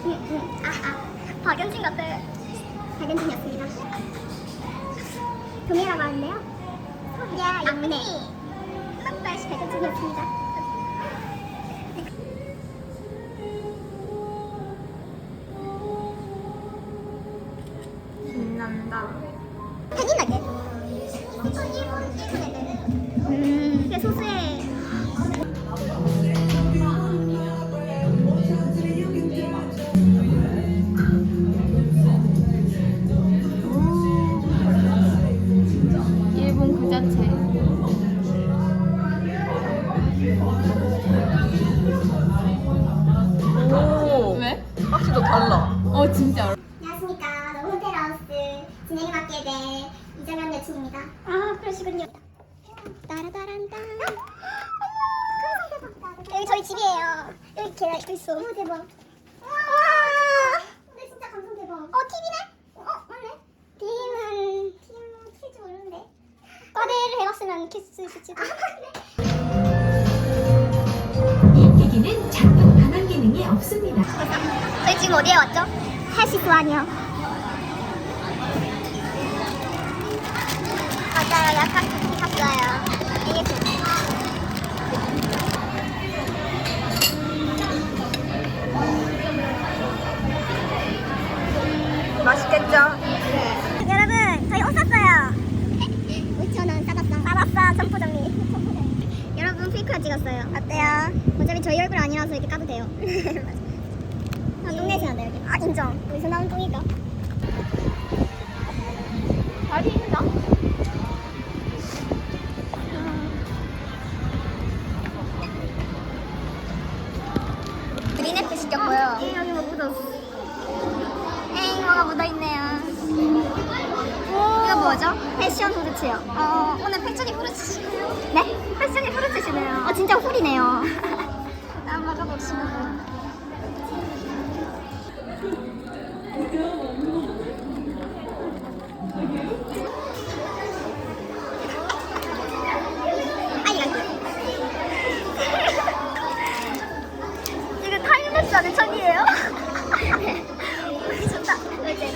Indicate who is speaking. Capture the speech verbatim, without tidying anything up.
Speaker 1: 응, 응. 아, 아. 박연진 같아. 박연진이었습니다. 동해라고 하는데요. 야, 막내. 빡빡이 박연진이었습니다.
Speaker 2: 신난다.
Speaker 1: 팬이나게. 음, 그게 소수의.
Speaker 2: 일본 그 자체. 오. 왜? 확실히 더 달라. 어 진짜.
Speaker 1: 안녕하십니까. 너무 호텔하우스 진행을 맡게 된 이정현 여친입니다. 아, 그러시군요. 따라따란따. 여기 저희 집이에요. 여기 계단 있어. 오, 대박. 와. 근데 진짜 감성 대박. 어, 티비네? 어, 맞네. 팀은 팀 킬지 모르는데. 과대를 해봤으면 키스 시치고.
Speaker 3: 이 기기는 작동 반환 기능이 없습니다.
Speaker 1: 저희 지금 어디에 왔죠? 해시수안이요. 맞아요. 약간 쿠키 샀어요. 이게 좋네.
Speaker 2: 맛있겠죠?
Speaker 1: 여러분, 저희 옷 샀어요. 오천 원 싸졌어. 싸졌어. 점포정리. 여러분, 페이크라 찍었어요. 어때요? 어차피 저희 얼굴 아니라서 이렇게 까도 돼요. 아, 똥내지 않아 여기. 아, 인정. 어디서 나온 똥이가?
Speaker 2: 다리 있나?
Speaker 1: 그린애플 시켰고요. 에, 여기 뭐 묻었어. 에잉, 뭐가 묻어있네요. 이거 뭐죠? 패션 후르츠요. 어, 오늘 패션이 후르츠시네요. 네? 패션이 후르츠시네요. 어, 진짜 훌이네요. 한번 먹어봅시다. 이거 타임랩스 하는 천이에요? 좋다. 이제.